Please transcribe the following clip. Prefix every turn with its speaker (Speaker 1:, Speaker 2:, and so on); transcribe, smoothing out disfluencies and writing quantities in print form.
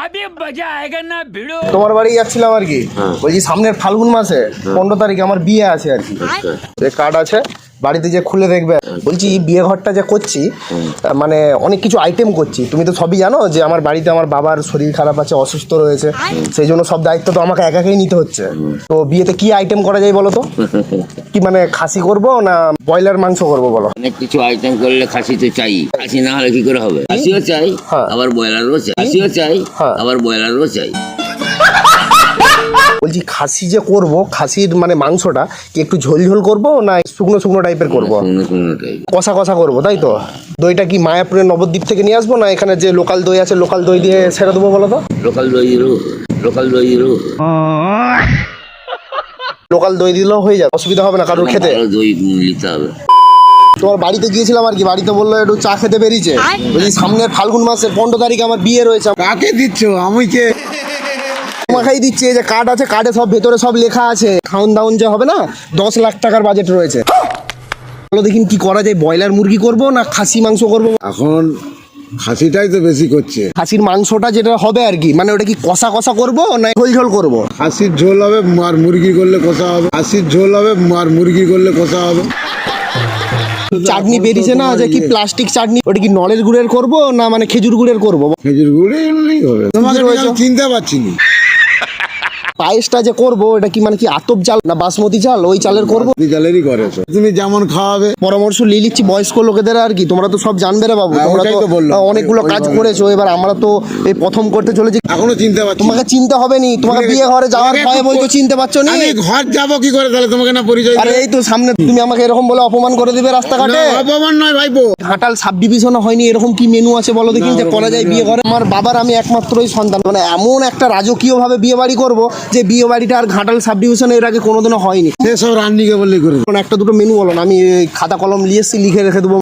Speaker 1: তোমার বাড়ি যাচ্ছিলাম আর কি, বলছি সামনের ফাল্গুন মাসে 15 তারিখে আমার বিয়ে আছে আর কি। কার্ড আছে, বাড়িতে যে খুলে দেখবে। বলছি বিয়ে ঘরটা যে করছি, মানে অনেক কিছু আইটেম করছি। তুমি তো সবই জানো যে আমার বাড়িতে আমার বাবার শরীর খারাপ আছে, অসুস্থ রয়েছে, সেই জন্য সব দায়িত্ব তো আমাকে একাকেই নিতে হচ্ছে। তো বিয়েতে কি আইটেম করা যায় বলো তো? কি মানে খাসি করব না ব্রয়লার মাংস করব বলো?
Speaker 2: অনেক কিছু আইটেম করলে খাসি তো চাই, খাসি না হলে কি করে হবে? খাসিও চাই, আবার ব্রয়লারও চাই, খাসিও চাই, আবার ব্রয়লারও চাই।
Speaker 1: বলছি খাসি যে করব, খাসির মানে মাংসটা কি একটু ঝোল ঝোল করব না শুকনো শুকনো টাইপের করব? কষা কষা করব, তাই তো? দইটা কি মায়াপুরের নবদ্বীপ থেকে নিয়ে আসবো না এখানে যে লোকাল দই আছে লোকাল দই দিয়ে ছেড়ে দেবো বলো তো?
Speaker 2: লোকাল দই লোকাল দই
Speaker 1: লোকাল দই দিলেও হয়ে যাবে, অসুবিধা হবে না কারোর খেতে?
Speaker 2: দই নিতে হবে।
Speaker 1: তোমার বাড়িতে গিয়েছিলাম আর কি, বাড়িতে বললো একটু চা খেতে বেরিয়েছে। বলছি সামনের ফাল্গুন মাসের 15 তারিখে আমার বিয়ে রয়েছে।
Speaker 3: কাকে দিচ্ছ? আমি কে
Speaker 1: তোমাকেই দিচ্ছে, যে কার্ড আছে, কার্ডে সব ভেতরে সব লেখা আছে। খাউন দাউন যে হবে না, 10 লাখ টাকার বাজেট রয়েছে। বলো দেখিন কি করা যায়, ব্রয়লার মুরগি করব না খাসি মাংস করব?
Speaker 3: এখন খাসিটাই তো বেশি করছে।
Speaker 1: খাসির মাংসটা যেটা হবে আর কি, মানে ওটা কি কষা কষা করব না ঝোল ঝোল করব?
Speaker 3: খাসির ঝোল হবে আর মুরগি করলে কষা হবে, খাসির ঝোল হবে আর মুরগি করলে কষা হবে।
Speaker 1: চাটনি বেরিয়েছে না যে কি প্লাস্টিক চাটনি, ওটা কি নলের গুড়ের করব না মানে খেজুর গুড়ের করব?
Speaker 3: খেজুর গুড়ে হবে। তোমাকে চিনতে পারছি না।
Speaker 1: পায়েসটা যে করব এটা কি মানে কি আতপ চাল না বাসমতি চাল, ওই চালের করব?
Speaker 3: চালেরই করে তুমি যেমন খাওয়াবে।
Speaker 1: পরামর্শ নিয়ে নিচ্ছি বয়স্ক লোকেদের আর কি, তোমরা তো সব জানবে রে বাবু, তোমরা তো অনেকগুলো কাজ করেছো, এবার আমরা তো এই প্রথম করতে চলেছি।
Speaker 3: এখনো চিনতে পারছি?
Speaker 1: তোমাকে চিনতে হবে নি, তোমাকে বিয়ে ঘরে যাওয়ার ভয়ে বলছো চিনতে পারছো না।
Speaker 3: আমি ঘর যাবো কি করে তাহলে তোমাকে না পরিচয়?
Speaker 1: আরে এই তো সামনে, তুমি আমাকে এরকম বলে অপমান করে দিবে রাস্তাঘাটে?
Speaker 3: অপমান নয় ভাইপো,
Speaker 1: ঘাটাল সাব ডিভিশনে হয়নি এরকম কি মেনু আছে বলো দেখি যে করা যায় বিয়ে ঘরে? আমার বাবার আমি একমাত্রই সন্তান, মানে এমন একটা রাজকীয় ভাবে বিয়ে বাড়ি করবো যে বিয়ে বাড়িটা আর ঘাটাল সাব ডিভিশনে এর আগে কোনোদিনও হয়নি।
Speaker 3: সেসব রান্নিকে বললেই করে
Speaker 1: একটা দুটো মেনু বলো না, আমি খাতা কলম নিয়ে এসেছি, লিখে রেখে দেবো।